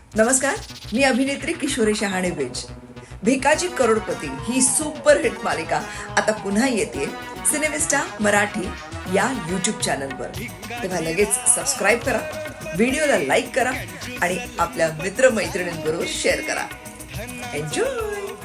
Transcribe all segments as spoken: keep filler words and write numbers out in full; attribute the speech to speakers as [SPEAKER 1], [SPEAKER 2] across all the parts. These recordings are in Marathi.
[SPEAKER 1] नमस्कार, मी अभिनेत्री किशोरी शहाणे बेज. भिकाजी करोडपती ही सुपरहिट मालिका आता पुन्हा येते सिनेमिस्टा मराठी या यूट्यूब चॅनलवर. तेव्हा लगेच सबस्क्राईब करा, व्हिडिओला लाईक करा आणि आपल्या मित्रमैत्रिणींबरोबर शेअर करा. एन्जॉय.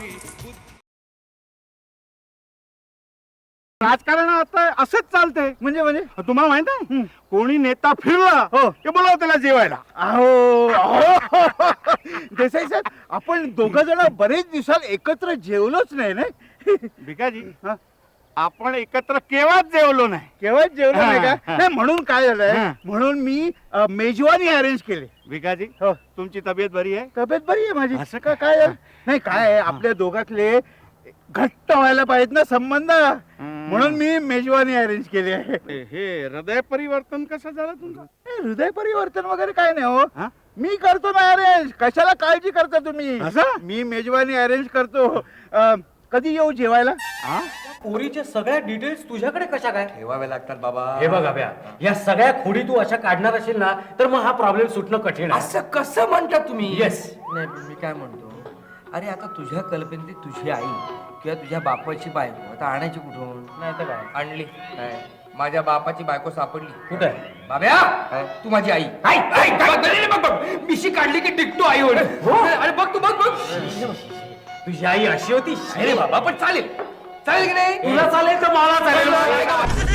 [SPEAKER 2] राजकारण आता असंच चालतंय. म्हणजे म्हणजे तुम्हाला माहित आहे, कोणी नेता फिरला हो की बोलाव त्याला जेवायला. अहो अहो. देसाई साहेब, आपण दोघ जण बरेच दिवसात एकत्र जेवलोच नाही ना. भिकाजी, आपण एकत्र केव्हाच जेवलो नाही. केव्हाच जेवलो नाही का? नाही, म्हणून काय झालंय, म्हणून मी अ, मेजवानी अरेंज केली. भिकाजी, हो, तुमची तब्येत बरी आहे? तब्येत बरी आहे माझी. असं का? काय झालं? नाही, काय आहे, आपल्या दोघातले घट्ट व्हायला पाहिजेत ना संबंध, म्हणून मी मेजवानी अरेंज केली आहे. हे हृदय परिवर्तन कसं झालं तुमचं? हृदय परिवर्तन वगैरे काय नाही हो, मी करतो ना अरेंज. कशाला काळजी करता तुम्ही? मी मेजवानी अरेंज करतो. अ, कधी येऊ जेवायला?
[SPEAKER 3] पोरीच्या सगळ्या डिटेल्स तुझ्याकडे कशा काय
[SPEAKER 4] ठेवावे लागतात बाबा.
[SPEAKER 3] हे बघ अभ्या, या सगळ्या खोडी तू अशा काढणार असेल ना, तर मग हा प्रॉब्लेम सुटणं कठीण आहे.
[SPEAKER 4] असं कसं म्हणता तुम्ही?
[SPEAKER 3] येस.
[SPEAKER 4] नाही, मी काय म्हणतो, अरे आता तुझ्या कल्पनेत तुझी आई किंवा तुझ्या बापाची बायको आता आणायची कुठून?
[SPEAKER 3] नाही तर काय
[SPEAKER 4] आणली काय? माझ्या बापाची बायको सापडली.
[SPEAKER 3] कुठे?
[SPEAKER 4] बाब्या, तू माझी आई. आई, आई, काय झालेलं बघ बघ. मिशी काढली की टिकतो आई होईल. अरे बघ तू, बघ बघ.
[SPEAKER 3] तुझी आई अशी होती?
[SPEAKER 4] अरे बाबा, पण चालेल चालेल की नाही?
[SPEAKER 3] तुला चालेल तर मला चालेल.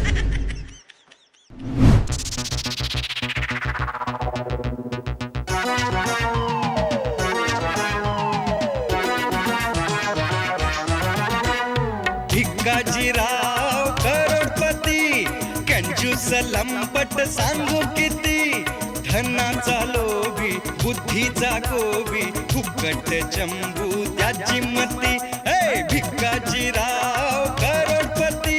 [SPEAKER 5] भिकाजीराव करोडपती, कंजूस लंपट सांगू किती, धनाचा लोभी बुद्धीचा गोबी, फुकट चंबू त्याची मती. हे भिकाजीराव करोडपती.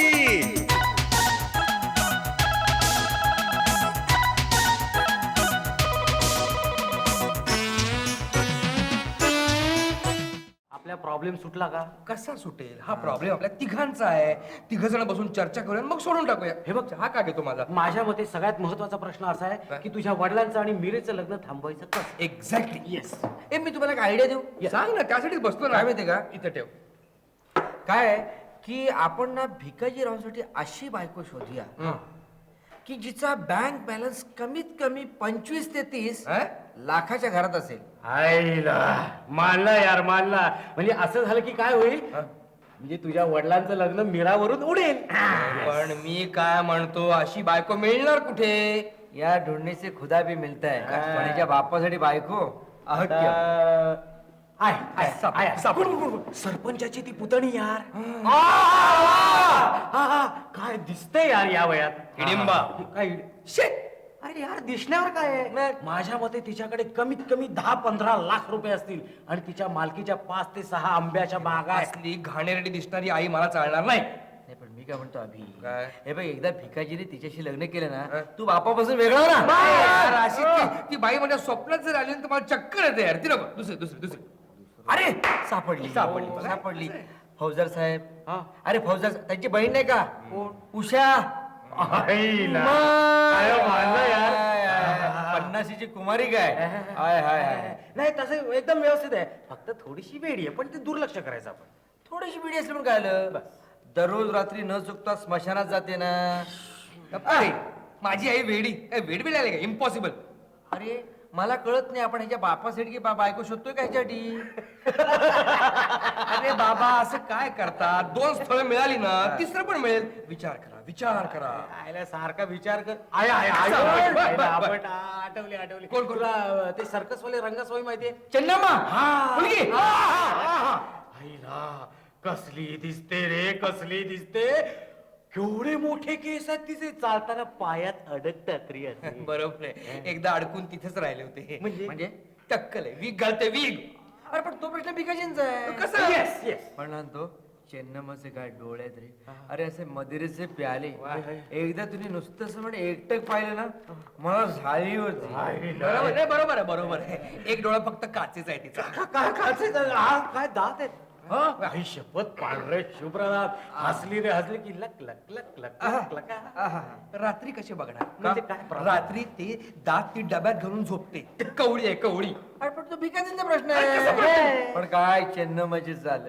[SPEAKER 3] आपला प्रॉब्लेम सुटला का?
[SPEAKER 4] कसा सुटेल? हा प्रॉब्लेम आपल्या तिघांचा आहे. तिघ जण बसून चर्चा करूया, मग सोडून टाकूया. हे बघ, हा का घेतो माझा?
[SPEAKER 3] माझ्या मते सगळ्यात महत्वाचा प्रश्न असा आहे की तुझ्या वडिलांचं आणि मीरेचं लग्न थांबवायचं कसं?
[SPEAKER 4] एक्झॅक्टली. येस. ए, मी तुम्हाला एक आयडिया देऊ? सांग ना, त्यासाठीच बसतो ना. माहिती का, इथं ठेव. काय आहे की आपण ना भिकाजीरावांसाठी अशी बायको शोधूया की जिचा बँक बॅलन्स कमीत कमी पंचवीस ते तीस लाखाच्या घरात असेल.
[SPEAKER 3] आईला मानला यार, मानला. म्हणजे असं झालं की काय होईल, म्हणजे तुझ्या वडिलांचं लग्न मीरावरून उडेल.
[SPEAKER 4] पण मी काय म्हणतो, अशी बायको मिळणार कुठे? या ढूंढने से खुदा भी मिलता है. पण याच्या बापासाठी बायको अहत्य.
[SPEAKER 3] आता- आहे, आहे,
[SPEAKER 4] साप-
[SPEAKER 3] आहे.
[SPEAKER 4] साप-
[SPEAKER 3] गुड, गुड, गुड. सरपंचाची ती पुतणी यार. आ, आ, आ, आ, काय दिसतंय यार या वयात.
[SPEAKER 4] हिडिंबा.
[SPEAKER 3] काय शेट. अरे यार, दिसण्यावर काय आहे? माझ्या मते तिच्याकडे कमीत कमी दहा पंधरा लाख रुपये असतील आणि तिच्या मालकीच्या पाच ते सहा आंब्याच्या बागा
[SPEAKER 4] असली घाणेरडी दिसणारी आई मला चालणार नाही.
[SPEAKER 6] नाही, पण मी काय म्हणतो अभि,
[SPEAKER 4] काय?
[SPEAKER 6] हे बघ, एकदा भिकाजीने तिच्याशी लग्न केलं ना, तू बापापासून वेगळा हो ना.
[SPEAKER 4] यार, अशी ती- ती बाई माझ्या स्वप्नात जर आली ना, तर मला चक्कर येते यार. ती नको, दुसरी दुसरी दुसरी.
[SPEAKER 6] अरे सापडली
[SPEAKER 4] सापडली.
[SPEAKER 6] हो, सापडली. फौजदार साहेब, अरे फौजदार, त्यांची बहीण नाही का उषा? पन्नाशीची कुमारी काय? हाय हाय हाय.
[SPEAKER 3] नाही, तसं एकदम व्यवस्थित आहे, फक्त थोडीशी वेडी आहे, पण ते दुर्लक्ष करायचं आपण.
[SPEAKER 6] थोडीशी बिडी असली पण काय आलं, दररोज रात्री न चुकता स्मशानात जाते ना.
[SPEAKER 4] अरे, माझी आई वेडी वेड बिड आले का? इम्पॉसिबल.
[SPEAKER 6] अरे मला कळत नाही, आपण ह्याच्या बापासाठी की बा- बायको शोधतोय का ह्याच्यासाठी?
[SPEAKER 4] अरे बाबा, असं काय करतात? दोन स्थळं मिळाली ना, तिसरं पण मिळेल. विचार करा, विचार करा.
[SPEAKER 3] आयला सारखा विचार कर. आहे, आहे, आहे.
[SPEAKER 4] बर, बर, बर,
[SPEAKER 3] आयला,
[SPEAKER 4] बर.
[SPEAKER 3] आपण, आ, आठवली आठवली.
[SPEAKER 4] कोण, कोण?
[SPEAKER 3] तुला अ, ते सर्कस वाले रंगसवाई माहितीये?
[SPEAKER 4] चन्नाम्मा. मुलगी.
[SPEAKER 3] आईला कसली दिसते रे, कसली दिसते. केवढे मोठे केस आहेत तिचे, चालताना पायात अडकतात रे असे.
[SPEAKER 4] बरोबर आहे. एकदा अडकून तिथेच राहिले होते.
[SPEAKER 3] म्हणजे?
[SPEAKER 4] म्हणजे टक्कल आहे, वीग घालते वीग.
[SPEAKER 6] अरे पण तो प्रश्न भिकाजींचा आहे.
[SPEAKER 4] कसं?
[SPEAKER 3] Yes yes.
[SPEAKER 6] पण तो चेन्नमचे काय डोळे आहेत रे. अरे असे मदिरेचे प्याले, एकदा तुम्ही नुसतं असं म्हणजे एकटक पाहिलं ना, मला झाली होती.
[SPEAKER 4] बरोबर आहे, बरोबर आहे, बरोबर आहे. एक डोळा फक्त काचेचा आहे तिचा.
[SPEAKER 3] काय खायचं? हा, काय दात आहेत. हं? आई शपथ पांढरे शुभ्रनाथ हसली रे हसली की लक लक लक लक लक लक
[SPEAKER 4] आहा. रात्री कसे बघणार
[SPEAKER 3] म्हणजे
[SPEAKER 4] का?
[SPEAKER 3] काय problem?
[SPEAKER 4] रात्री ते दात ती डब्यात घालून झोपते कवळी आहे कवळी अरे पण तो भिकाजींचा प्रश्न आहे
[SPEAKER 6] पण काय चेन्नमची झालं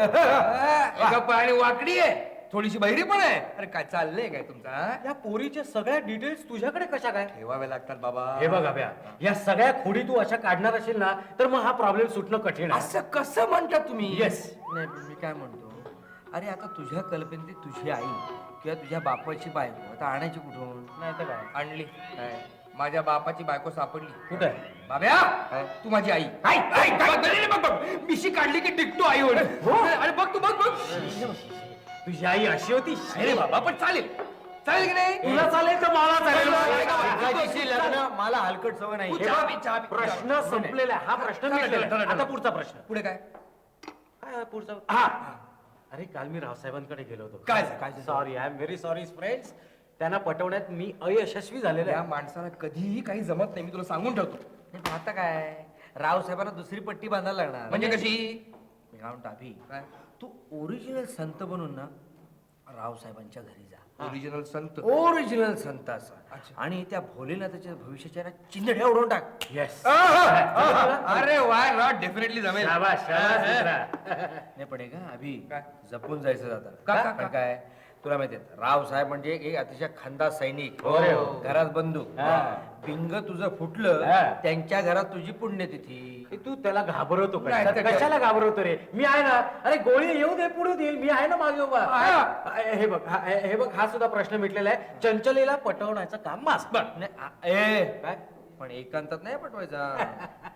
[SPEAKER 4] एका पायाने वाकडी आहे थोडीशी बहिरी पण आहे अरे काय चाललंय काय तुमचा
[SPEAKER 3] या पोरीच्या सगळ्या डिटेल्स तुझ्याकडे कशा काय
[SPEAKER 4] ठेवावे लागतात बाबा
[SPEAKER 3] हे बघ अभ्या या सगळ्या खोडी तू अशा काढणार असेल ना तर मग हा प्रॉब्लेम सुटणं कठीण आहे
[SPEAKER 4] असं कसं म्हणता तुम्ही
[SPEAKER 3] येस
[SPEAKER 6] नाही पण मी काय म्हणतो अरे आता तुझ्या कल्पनेत तुझी आई किंवा तुझ्या बापाची बायको आता आणायची कुठून
[SPEAKER 3] नाही तर काय
[SPEAKER 4] आणली माझ्या बापाची बायको सापडली
[SPEAKER 3] कुठे आहे?
[SPEAKER 4] बाब्या तू माझी आई आई, आई, काय झालेलं बघ बघ मिशी काढली की टिकतो आई होईल अरे बघ तू बघ बघ
[SPEAKER 3] तुझी आई अशी होती
[SPEAKER 4] अरे बाबा पण चालेल चालेल की नाही
[SPEAKER 3] तुला चालेल तर मला चालेल
[SPEAKER 6] भिकाजीशी लग्न मला हलकट सवय नाही
[SPEAKER 4] तू
[SPEAKER 6] हे
[SPEAKER 4] चहा
[SPEAKER 6] बघ,
[SPEAKER 4] पी, चहा पी.
[SPEAKER 3] प्रश्न संपलेला आहे. हा प्रश्न
[SPEAKER 4] चला,
[SPEAKER 3] मिटलेला
[SPEAKER 4] चला,
[SPEAKER 3] आहे.
[SPEAKER 4] चला,
[SPEAKER 3] आता
[SPEAKER 4] चला.
[SPEAKER 3] पुढचा प्रश्न
[SPEAKER 4] पुढे काय
[SPEAKER 3] काय आहे पुढचा हा अरे काल मी रावसाहेबांकडे गेलो होतो
[SPEAKER 4] काय झालं? काय झालं?
[SPEAKER 3] Sorry I am very sorry friends त्यांना पटवण्यात मी अयशस्वी झालेलो
[SPEAKER 4] या
[SPEAKER 3] आहे
[SPEAKER 4] माणसाला कधीही काही जमत नाही मी तुला सांगून ठेवतो
[SPEAKER 6] हे पण आता काय राव साहेबांना दुसरी पट्टी बांधायला लागणार
[SPEAKER 4] म्हणजे कशी
[SPEAKER 6] मी काय म्हणतो अभि
[SPEAKER 4] काय
[SPEAKER 6] तू ओरिजिनल संत बनून ना राव साहेबांच्या घरी जा
[SPEAKER 4] ओरिजिनल संत
[SPEAKER 6] ओरिजिनल संत असा आणि त्या भोलेनाथाच्या भविष्याच्या ना चिंधड्या उडवून टाक
[SPEAKER 3] येस
[SPEAKER 4] अरे वाय नॉट डेफिनेटली जमेल
[SPEAKER 3] शाबास शाबास मित्रा.
[SPEAKER 6] नाही पडे का अभि
[SPEAKER 4] काय?
[SPEAKER 6] जपून जायचं जातं
[SPEAKER 4] का, का,
[SPEAKER 6] पण
[SPEAKER 4] का?
[SPEAKER 6] काय तुला माहिती राव साहेब म्हणजे एक अतिशय खंदा सैनिक
[SPEAKER 3] हो रे, हो.
[SPEAKER 6] घरात बंदूक
[SPEAKER 3] हा.
[SPEAKER 6] बिंग तुझं फुटलं
[SPEAKER 3] हा.
[SPEAKER 6] त्यांच्या घरात तुझी पुण्यतिथी
[SPEAKER 3] हे तू त्याला घाबरवतो
[SPEAKER 4] नाही,
[SPEAKER 3] कशाला
[SPEAKER 4] ते काय?
[SPEAKER 3] कशाला घाबरवतो रे मी आहे ना अरे गोळी येऊ दे पुढे देईल मी आहे ना मागे उभा
[SPEAKER 4] आहे.
[SPEAKER 3] हे बघ हा- हे हे बघ हा सुद्धा प्रश्न मिटलेला आहे चंचलेला पटवण्याचं काम मास
[SPEAKER 6] नाही, आ- ए
[SPEAKER 3] काय
[SPEAKER 6] पण एकांतात नाही पटवायचा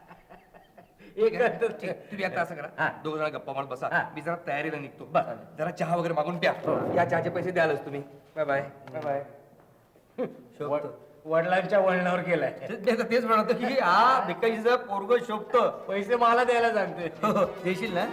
[SPEAKER 3] एक
[SPEAKER 4] ठीक, तुम्ही आता असं
[SPEAKER 3] हा.
[SPEAKER 4] करा दोघ जण गप्पा मारत बसा
[SPEAKER 3] हा.
[SPEAKER 4] मी जरा तयारीला निघतो
[SPEAKER 3] बस.
[SPEAKER 4] जरा चहा वगैरे मागून प्या या चहाचे पैसे द्यालच तुम्ही बाय बाय बाय बाय
[SPEAKER 6] शोभतो
[SPEAKER 3] वडिलांच्या वळणावर गेलाय
[SPEAKER 6] ते- ते- तेच म्हणतो की हा भिकाजीचं पोरग शोभत
[SPEAKER 3] पैसे मला द्यायला सांगते
[SPEAKER 6] देशील ना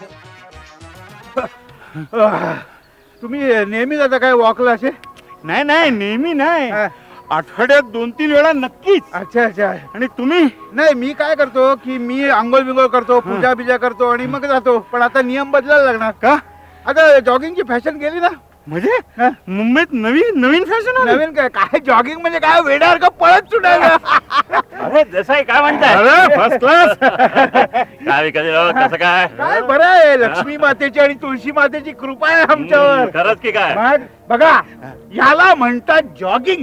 [SPEAKER 2] तुम्ही नेहमी जाता काय वॉकला असे
[SPEAKER 7] नाही नाही नेहमी नाही
[SPEAKER 2] हा.
[SPEAKER 7] आठवड्यात दोन तीन वेळा नक्कीच
[SPEAKER 2] अच्छा अच्छा
[SPEAKER 7] आणि तुम्ही
[SPEAKER 2] नाही मी काय करतो की मी आंघोळ बिंगोळ करतो पूजा बिजा करतो आणि मग जातो पण आता नियम बदलायला लागणार
[SPEAKER 7] का
[SPEAKER 2] आता जॉगिंगची फॅशन गेली ना
[SPEAKER 7] म्हणजे
[SPEAKER 2] हा?
[SPEAKER 7] मुंबईत नवीन नवीन फॅशन
[SPEAKER 2] नवीन काय काय जॉगिंग म्हणजे काय वेडार का पळत सुटायला
[SPEAKER 7] अरे जसं आहे काय म्हणताय फर्स्ट क्लास काय विकायचं कसं काय
[SPEAKER 2] काय बरं आहे लक्ष्मी मातेची आणि तुळशी मातेची कृपा आहे आमच्यावर
[SPEAKER 7] खरंच की काय
[SPEAKER 2] मग बघा याला म्हणतात जॉगिंग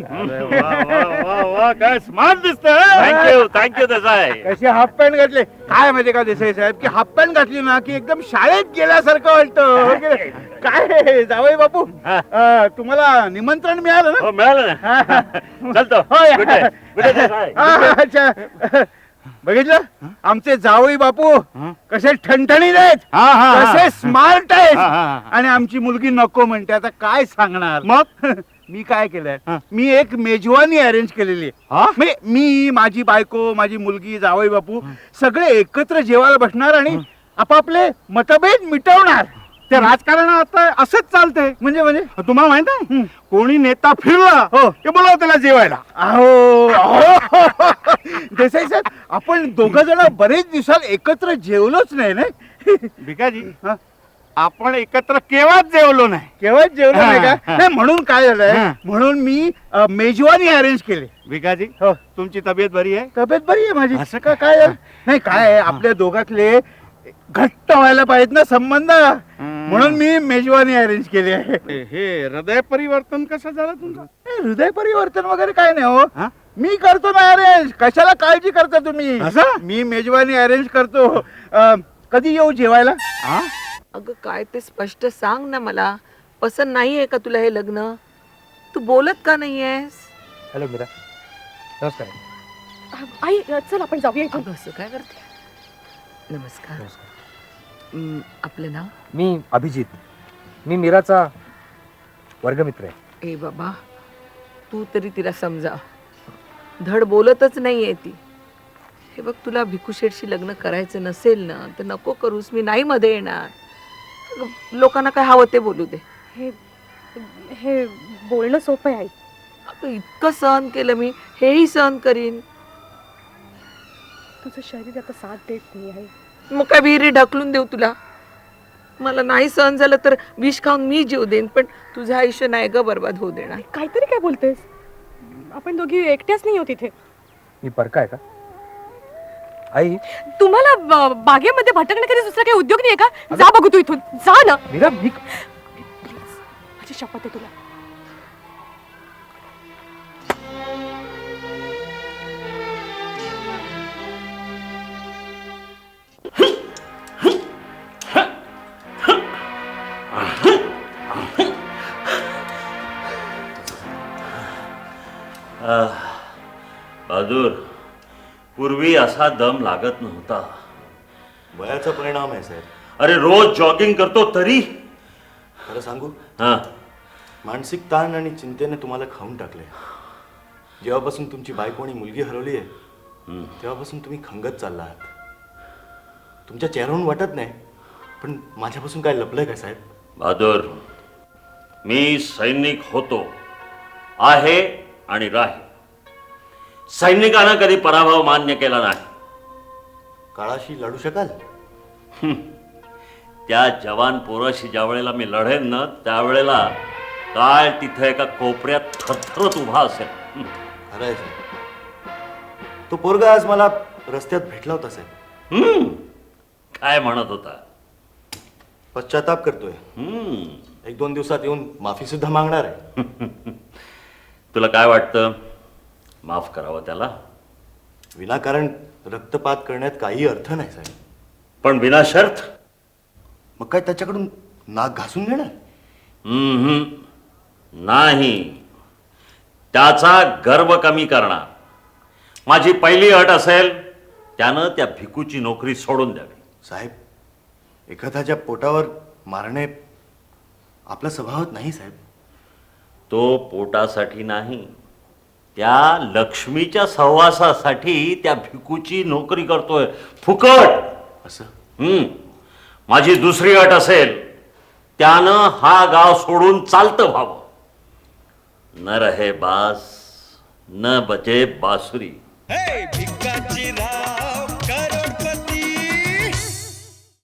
[SPEAKER 7] काय स्मार्ट दिसत थँक्यू थँक्यू तसं आहे
[SPEAKER 2] कसे हाफ पॅन्ट घातले काय माहिती का देसाई साहेब की हाफ पॅन्ट घातली ना की एकदम शाळेत गेल्यासारखं वाटतं हो की नाही? काय जावई बापू
[SPEAKER 7] हा.
[SPEAKER 2] अं, तुम्हाला निमंत्रण मिळालं ना
[SPEAKER 7] हो मिळालं ना चलतो
[SPEAKER 2] हो, या.
[SPEAKER 7] Good day. Good day, Desai.
[SPEAKER 2] हा, अच्छा बघितलं आमचे जावई बापू कसे ठणठणीत आहेत
[SPEAKER 7] हा, हा, हा.
[SPEAKER 2] कसे स्मार्ट आहेत
[SPEAKER 7] हा, हा, हा.
[SPEAKER 2] आणि आमची मुलगी नको म्हणते आता काय सांगणार
[SPEAKER 7] मग
[SPEAKER 2] मी काय केलंय
[SPEAKER 7] हा.
[SPEAKER 2] मी एक मेजवानी अरेंज केलेली आहे
[SPEAKER 7] हा?
[SPEAKER 2] म्हणजे मी माझी बायको माझी मुलगी जावई बापू सगळे एकत्र जेवायला बसणार आणि आपापले मतभेद मिटवणार
[SPEAKER 7] ते राजकारण आता असंच चालतंय
[SPEAKER 2] म्हणजे म्हणजे
[SPEAKER 7] तुम्हाला माहित आहे कोणी नेता फिरला
[SPEAKER 2] हो.
[SPEAKER 7] की बोलाव त्याला जेवायला
[SPEAKER 2] अहो अहो. देसाई साहेब आपण दोघ जण बरेच दिवसात एकत्र जेवलोच नाही ना
[SPEAKER 7] भिकाजी
[SPEAKER 2] हा?
[SPEAKER 7] आपण एकत्र केव्हाच जेवलो नाही
[SPEAKER 2] केव्हा जेवलो नाही
[SPEAKER 7] हा,
[SPEAKER 2] का
[SPEAKER 7] हा.
[SPEAKER 2] नाही म्हणून काय झालंय
[SPEAKER 7] हा.
[SPEAKER 2] म्हणून मी अ, मेजवानी अरेंज केली
[SPEAKER 7] भिकाजी
[SPEAKER 2] हो
[SPEAKER 7] तुमची तब्येत बरी आहे
[SPEAKER 2] तब्येत बरी आहे माझी
[SPEAKER 7] असं
[SPEAKER 2] का काय झालं? नाही काय आहे, आपल्या दोघातले घट्ट व्हायला पाहिजेत ना संबंध म्हणून मी मेजवानी अरेंज केली आहे
[SPEAKER 7] हे हे हृदय परिवर्तन कसं झालं तुमचं
[SPEAKER 2] ए, हृदय परिवर्तन वगैरे काय नाही हो
[SPEAKER 7] हा?
[SPEAKER 2] मी करतो ना अरेंज कशाला काळजी करता तुम्ही
[SPEAKER 7] असं?
[SPEAKER 2] मी मेजवानी अरेंज करतो अ, कधी येऊ जेवायला
[SPEAKER 7] हा?
[SPEAKER 8] अगं काय ते स्पष्ट सांग ना मला पसंत नाही आहे का तुला हे लग्न तू बोलत का नाही आहेस
[SPEAKER 4] हॅलो मीरा नमस्कार
[SPEAKER 9] आई चल आपण जाऊया इथून
[SPEAKER 8] अगं असं काय करते नमस्कार हं, आपलं नाव
[SPEAKER 4] मी अभिजित मी मीराचा वर्गमित्र आहे
[SPEAKER 8] ए बाबा तू तरी तिला समजा धड बोलतच नाहीये ती हे बघ तुला भिकूशेठशी लग्न करायचं नसेल ना तर नको करूस मी नाही मध्ये येणार अगं, लोकांना काय हवं ते बोलू दे
[SPEAKER 9] हे हे बोलणं सोपं आहे आई
[SPEAKER 8] अगं इतकं सहन केलं मी हेही सहन करीन
[SPEAKER 9] तुझं शरीर आता साथ देत नाही आहे
[SPEAKER 8] मग काय विहिरी ढकलून देऊ तुला मला नाही सहन झालं तर विष खाऊन मी जीव देईन, पण तुझं आयुष्य नाही ग बर्बाद होऊ देणार.
[SPEAKER 9] काहीतरी काय बोलतेस? आपण दोघी एकट्याच नाही होत इथे.
[SPEAKER 4] मी परका आहे का आई?
[SPEAKER 9] तुम्हाला ब- बागेमध्ये भटकणे कधी दुसरा काही उद्योग नाहीये का? जा बघू तू इथून, जा ना.
[SPEAKER 4] मीरा मी
[SPEAKER 9] प्लीज, माझी शपथ आहे तुला.
[SPEAKER 7] बहादूर, पूर्वी असा दम लागत नव्हता.
[SPEAKER 10] वयाचा परिणाम आहे साहेब.
[SPEAKER 7] अरे रोज जॉगिंग करतो तरी.
[SPEAKER 10] खरं सांगू,
[SPEAKER 7] हा,
[SPEAKER 10] मानसिक ताण आणि चिंतेने तुम्हाला खाऊन टाकले. जेव्हापासून तुमची बायको आणि मुलगी हरवली आहे तेव्हापासून तुम्ही खंगत चालला आहात. तुमच्या चेहऱ्यावरून वाटत नाही, पण माझ्यापासून काय लपलंय का साहेब?
[SPEAKER 7] बहादूर, मी सैनिक होतो, आहे आणि राहील. सैनिकानं कधी पराभव मान्य केला नाही.
[SPEAKER 10] काळाशी लढू शकाल?
[SPEAKER 7] त्या जवान पोराशी ज्या वेळेला मी लढेन ना त्यावेळेला काळ तिथे एका कोपऱ्यात थरथरत उभा असेल.
[SPEAKER 10] खरं आहे साहेब. तो पोरगा आज मला रस्त्यात भेटला होता साहेब.
[SPEAKER 7] हम्म, काय म्हणत होता?
[SPEAKER 10] पश्चाताप करतोय.
[SPEAKER 7] हम्म,
[SPEAKER 10] एक दोन दिवसात येऊन माफी सुद्धा मागणार आहे.
[SPEAKER 7] तुला काय वाटतं, माफ करावं त्याला?
[SPEAKER 10] विनाकारण रक्तपात करण्यात काही अर्थ नाही साहेब.
[SPEAKER 7] पण विना शर्त?
[SPEAKER 10] मग काय त्याच्याकडून नाक घासून घेणार?
[SPEAKER 7] हम्म, नाही. त्याचा गर्व कमी करणार. माझी पहिली अट असेल, त्यानं त्या भिकूची नोकरी सोडून द्यावी.
[SPEAKER 10] साहेब, एखाद्याच्या पोटावर मारणे आपला स्वभावात नाही साहेब.
[SPEAKER 7] तो पोटासाठी नाही, त्या लक्ष्मीच्या सहवासासाठी त्या भिकूची नोकरी करतोय फुकट.
[SPEAKER 10] असं?
[SPEAKER 7] हम्म, माझी दुसरी अट असेल, त्यानं हा गाव सोडून चालतं व्हावं. न रहे बास न बजे बासुरी.
[SPEAKER 5] हे भिकाजीराव करोडपती